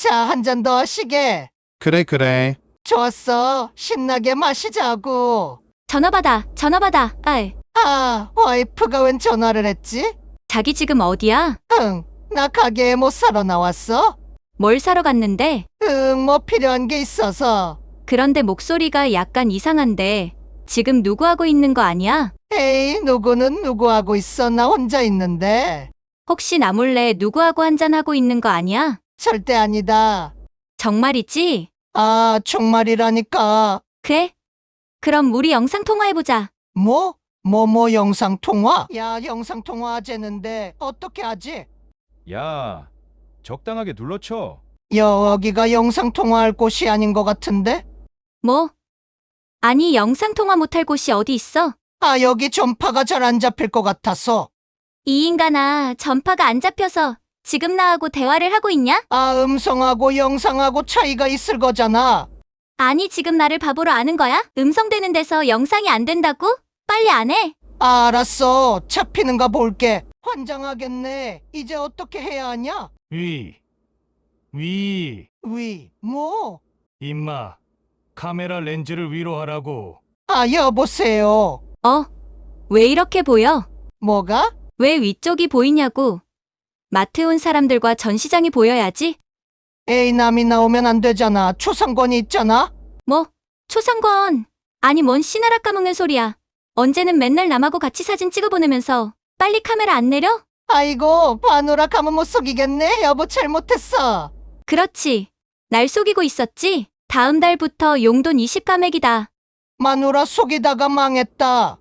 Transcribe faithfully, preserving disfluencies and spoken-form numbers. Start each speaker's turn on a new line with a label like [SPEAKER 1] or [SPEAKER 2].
[SPEAKER 1] 자, 한 잔 더 하시게.
[SPEAKER 2] 그래, 그래.
[SPEAKER 1] 좋았어. 신나게 마시자고.
[SPEAKER 3] 전화 받아, 전화 받아. 아이,
[SPEAKER 1] 아, 와이프가 웬 전화를 했지?
[SPEAKER 3] 자기 지금 어디야?
[SPEAKER 1] 응, 나 가게에 못 사러 나왔어.
[SPEAKER 3] 뭘 사러 갔는데?
[SPEAKER 1] 응, 뭐 필요한 게 있어서.
[SPEAKER 3] 그런데 목소리가 약간 이상한데 지금 누구 하고 있는 거 아니야?
[SPEAKER 1] 에이, 누구는 누구하고 있어. 나 혼자 있는데.
[SPEAKER 3] 혹시 나 몰래 누구하고 한잔하고 있는 거 아니야?
[SPEAKER 1] 절대 아니다.
[SPEAKER 3] 정말이지?
[SPEAKER 1] 아, 정말이라니까.
[SPEAKER 3] 그래? 그럼 우리 영상 통화해보자.
[SPEAKER 1] 뭐? 뭐, 뭐 영상 통화? 야, 영상 통화 하재는데 어떻게 하지?
[SPEAKER 4] 야, 적당하게 눌러쳐.
[SPEAKER 1] 여기가 영상 통화할 곳이 아닌 것 같은데?
[SPEAKER 3] 뭐? 아니, 영상 통화 못할 곳이 어디 있어?
[SPEAKER 1] 아, 여기 전파가 잘 안 잡힐 것 같아서.
[SPEAKER 3] 이 인간아, 전파가 안 잡혀서 지금 나하고 대화를 하고 있냐?
[SPEAKER 1] 아, 음성하고 영상하고 차이가 있을 거잖아.
[SPEAKER 3] 아니, 지금 나를 바보로 아는 거야? 음성되는 데서 영상이 안 된다고? 빨리 안 해.
[SPEAKER 1] 아, 알았어. 잡히는가 볼게. 환장하겠네. 이제 어떻게 해야 하냐?
[SPEAKER 5] 위, 위,
[SPEAKER 1] 위, 뭐?
[SPEAKER 5] 임마, 카메라 렌즈를 위로 하라고.
[SPEAKER 1] 아, 여보세요.
[SPEAKER 3] 어? 왜 이렇게 보여?
[SPEAKER 1] 뭐가?
[SPEAKER 3] 왜 위쪽이 보이냐고. 마트 온 사람들과 전시장이 보여야지.
[SPEAKER 1] 에이, 남이 나오면 안 되잖아. 초상권이 있잖아.
[SPEAKER 3] 뭐? 초상권. 아니, 뭔 씨나라 까먹는 소리야. 언제는 맨날 남하고 같이 사진 찍어 보내면서 빨리 카메라 안 내려?
[SPEAKER 1] 아이고, 마누라 가면 못 속이겠네. 여보, 잘못했어.
[SPEAKER 3] 그렇지. 날 속이고 있었지? 다음 달부터 용돈 이십 감액이다.
[SPEAKER 1] 마누라 속이다가 망했다.